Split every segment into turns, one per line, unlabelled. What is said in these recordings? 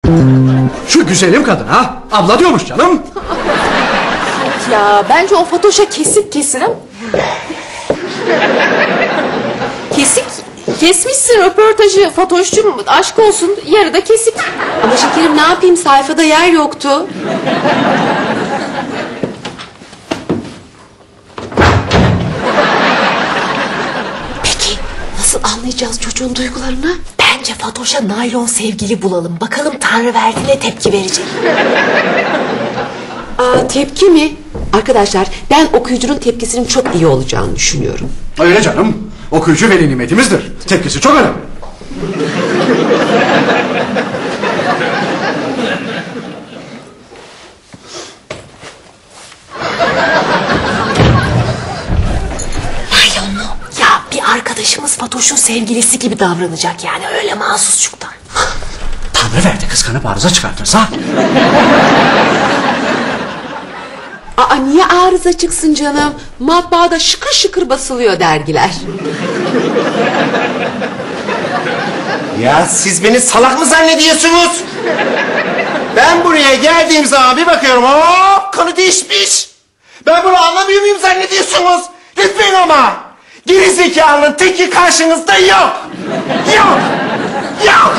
Şu güzelim kadına abla diyormuş canım.
Ya bence o Fatoş'a kesik kesin. Kesmişsin röportajı Fatoş'cum, aşk olsun, yarıda kesik.
Ama şekerim ne yapayım, sayfada yer yoktu.
Peki nasıl anlayacağız çocuğun duygularını? Bence Fatoş'a naylon sevgili bulalım. Bakalım Tanrıverdi ne tepki verecek.
Tepki mi? Arkadaşlar ben okuyucunun tepkisinin çok iyi olacağını düşünüyorum.
Öyle canım. Okuyucu veli nimetimizdir. Tepkisi çok önemli.
Naylon mu? Ya bir arkadaşımız Fatoş'un sevgilisi gibi davranacak yani, öyle mahsusçuktan.
Tanrıverdi kıskanıp arıza çıkartırsa.
Niye arıza çıksın canım? Matbaada şıkır şıkır basılıyor dergiler.
Ya siz beni salak mı zannediyorsunuz? Ben buraya geldiğim zaman bir bakıyorum, hop konu değişmiş. Ben bunu anlamıyor muyum zannediyorsunuz? Lütfen ama. Gerizekalının teki karşınızda yok. Yok. Yok.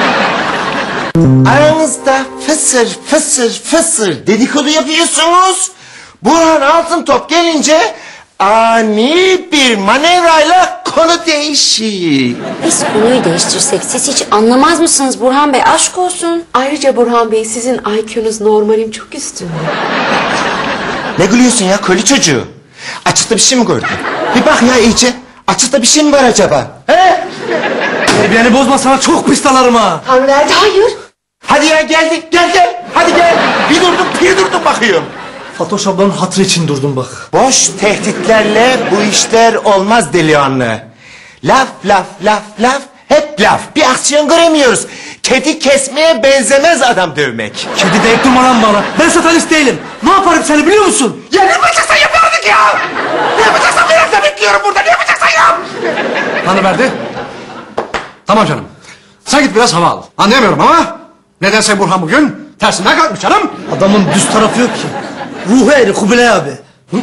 Aranızda fısır fısır fısır dedikodu yapıyorsunuz. Burhan Altıntop gelince ani bir manevrayla konu değişiyor.
Biz konuyu değiştirsek siz hiç anlamaz mısınız Burhan Bey? Aşk olsun.
Ayrıca Burhan Bey, sizin IQ'nuz normalin çok üstünde.
Ne gülüyorsun ya köylü çocuğu? Açıkta bir şey mi gördün? Bir bak ya iyice. Açıkta bir şey mi var acaba? He?
Beni bozmasana, çok pis dalarım ha.
Tanrıverdi hayır.
Hadi ya gel. Hadi gel. Bir durdum bakıyorum.
Fatoş ablanın hatırı için durdum bak.
Boş tehditlerle bu işler olmaz delikanlı. Laf. Hep laf. Bir aksiyon göremiyoruz. Kedi kesmeye benzemez adam dövmek.
Kedi deyip durma lan bana. Ben satanist değilim. Ne yaparım seni biliyor musun?
Ya ne yapacaksan yapardık ya. Ne yapacaksan bir hafta bekliyorum burada. Ne yapacaksan yap.
Tanrıverdi. Tamam canım. Sen git biraz hava al. Anlayamıyorum ama nedense Burhan bugün tersinden kalkmış canım.
Adamın düz tarafı yok ki. Ruhu eri Kubilay abi. Hı?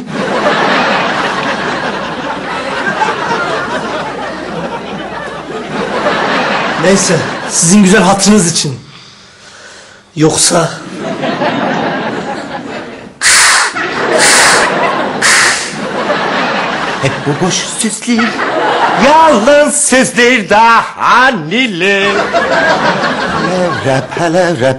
Neyse, sizin güzel hatırınız için. Yoksa...
Hep bu boş sözler, yalan sözler daha neler. Palavra.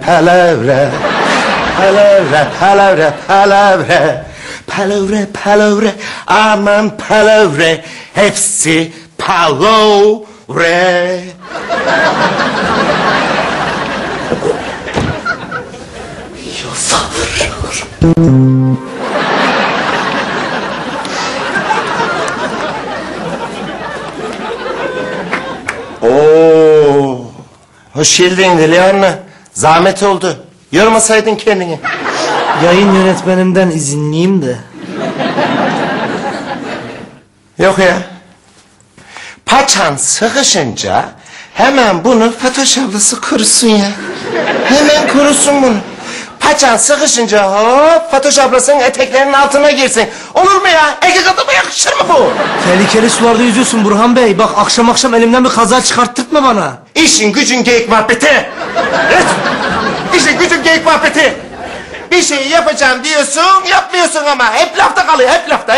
Palavra, aman palavra, hepsi palavra. Oo, hoş geldin Delihanlı. Zahmet oldu. Yormasaydın kendini.
Yayın yönetmenimden izinliyim de.
Yok ya. Paçan sıkışınca hemen bunu Fatoş ablası kurusun ya. Hemen kurusun bunu. Paçan sıkışınca hop Fatoş ablasının eteklerinin altına girsin. Olur mu ya? Erkek adama yakışır mı bu?
Tehlikeli sularda yüzüyorsun Burhan Bey. Bak akşam elimden bir kaza çıkarttırtma bana.
İşin gücün geyik muhabbeti. Evet. İşin gücün geyik muhabbeti. Bir şeyi yapacağım diyorsun, yapmıyorsun ama. Hep lafta kalıyor, hep lafta.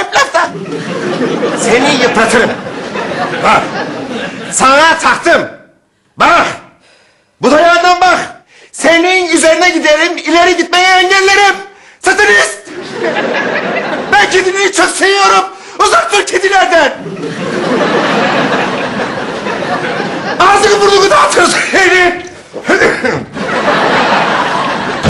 Seni yıpratırım. Bak. Sana taktım. Bak. Bu dayağından bak. Senin üzerine giderim, ileri gitmeyi engellerim. Satanist. Ben kedini çok seviyorum. Uzak dur kedilerden.